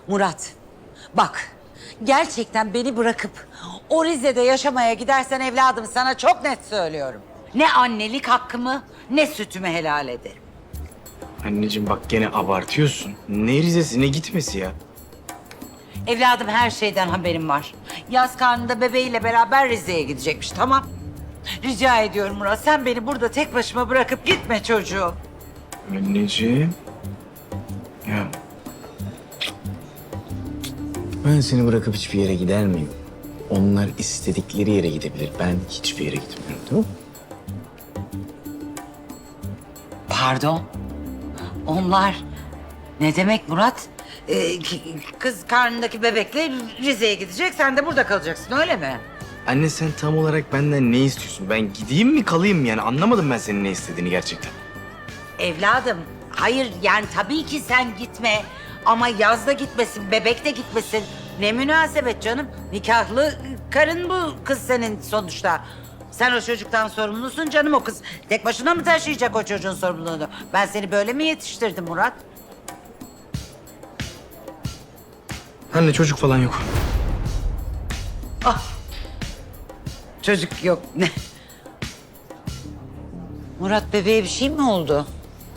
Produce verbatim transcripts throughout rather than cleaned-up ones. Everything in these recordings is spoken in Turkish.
Murat, bak gerçekten beni bırakıp o Rize'de yaşamaya gidersen evladım sana çok net söylüyorum. Ne annelik hakkımı ne sütümü helal ederim. Anneciğim bak gene abartıyorsun. Ne Rize'si ne gitmesi ya. Evladım her şeyden haberim var. Yaz karnında bebeğiyle beraber Rize'ye gidecekmiş, tamam. Rica ediyorum Murat, sen beni burada tek başıma bırakıp gitme çocuğum. Anneciğim. Ya. Ben seni bırakıp hiçbir yere gider miyim? Onlar istedikleri yere gidebilir. Ben hiçbir yere gitmiyorum, tamam mı? Pardon. Onlar ne demek Murat? Ee, kız karnındaki bebekle Rize'ye gidecek, sen de burada kalacaksın, öyle mi? Anne sen tam olarak benden ne istiyorsun? Ben gideyim mi kalayım mı yani? Anlamadım ben senin ne istediğini gerçekten. Evladım, hayır yani tabii ki sen gitme. Ama yazda gitmesin, bebek de gitmesin. Ne münasebet canım. Nikahlı karın bu kız senin sonuçta. Sen o çocuktan sorumlusun canım, o kız. Tek başına mı taşıyacak o çocuğun sorumluluğunu? Ben seni böyle mi yetiştirdim Murat? Anne çocuk falan yok. Çocuk yok. Ne? Murat, bebeğe bir şey mi oldu?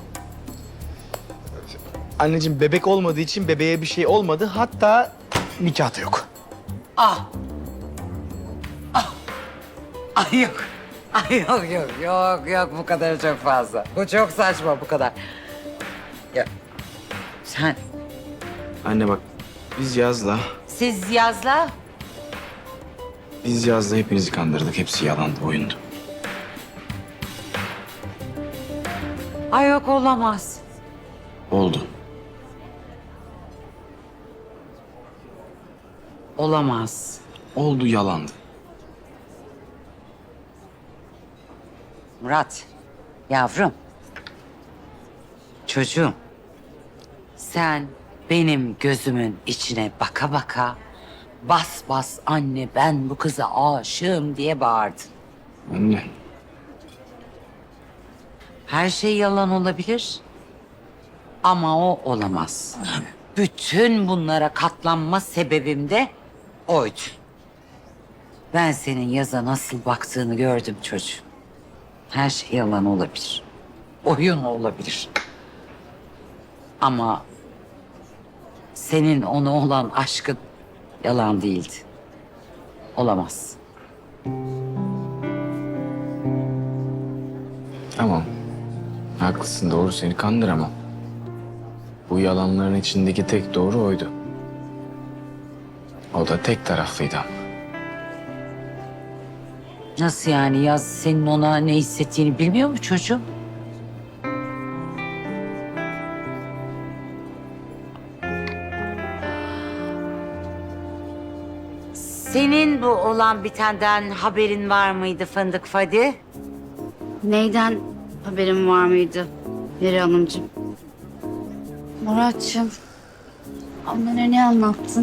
Anneciğim bebek olmadığı için bebeğe bir şey olmadı. Hatta nikah da yok. Ah. Ah. Ay yok. Ay yok yok yok yok bu kadar çok fazla. Bu çok saçma bu kadar. Ya sen Anne bak biz Yaz'la, siz yazla. biz Yaz'la hepinizi kandırdık. Hepsi yalandı, oyundu. Ay yok olamaz. Oldu. Olamaz. Oldu, yalandı. Murat, yavrum. Çocuğum. Sen benim gözümün içine baka baka bas bas anne ben bu kıza aşığım diye bağırdın. Anne. Her şey yalan olabilir ama o olamaz. Bütün bunlara katlanma sebebim de oydu. Ben senin yaza nasıl baktığını gördüm çocuğum. Her şey yalan olabilir. Oyun olabilir. Ama senin ona olan aşkın yalan değildi. Olamaz. Tamam. Haklısın, doğru, seni kandıramam. Bu yalanların içindeki tek doğru oydu. O da tek taraflıydı ama. Nasıl yani? Yaz senin ona ne hissettiğini bilmiyor mu çocuğum? Senin bu olan bitenden haberin var mıydı Fındık Fadi? Neyden haberim var mıydı Meri Hanımcığım? Muratçığım, annene ne anlattın?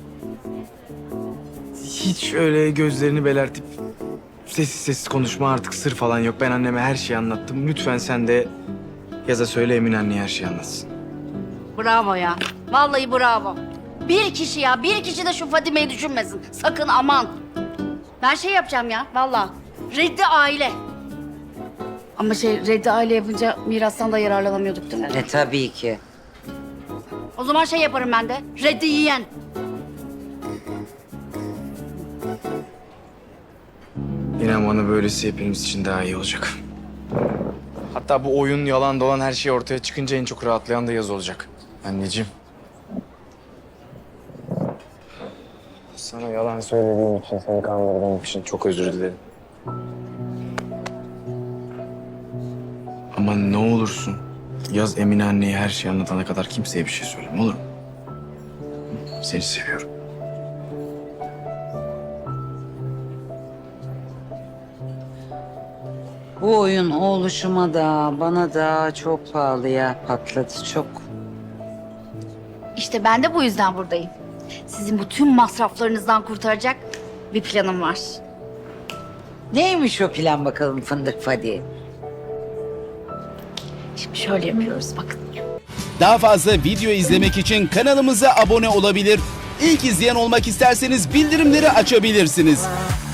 Hiç öyle gözlerini belertip sessiz sessiz konuşma, artık sır falan yok. Ben anneme her şeyi anlattım. Lütfen sen de Yaz'a söyle, Emin anneye her şeyi anlatsın. Bravo ya. Vallahi bravo. Bir kişi ya, bir kişi de şu Fadime'yi düşünmesin. Sakın aman. Ben şey yapacağım ya, vallahi. Reddi aile. Ama şey, reddi aile yapınca mirastan da yararlanamıyorduk değil mi? E tabii ki. O zaman şey yaparım ben de. Reddi yiyen. İnan bana böylesi hepimiz için daha iyi olacak. Hatta bu oyun, yalan dolan her şey ortaya çıkınca en çok rahatlayan da Yaz olacak. Anneciğim. Sana yalan söylediğim için, seni kandırdığım için çok özür dilerim. Ama ne olursun Yaz Emine anneye her şeyi anlatana kadar kimseye bir şey söyleme, olur mu? Seni seviyorum. Bu oyun oğluşuma da bana da çok pahalıya patladı, çok. İşte ben de bu yüzden buradayım. Sizin bu tüm masraflarınızdan kurtaracak bir planım var. Neymiş o plan bakalım Fındık Fadi? Şimdi şöyle yapıyoruz bakın. Daha fazla video izlemek için kanalımıza abone olabilir. İlk izleyen olmak isterseniz bildirimleri açabilirsiniz.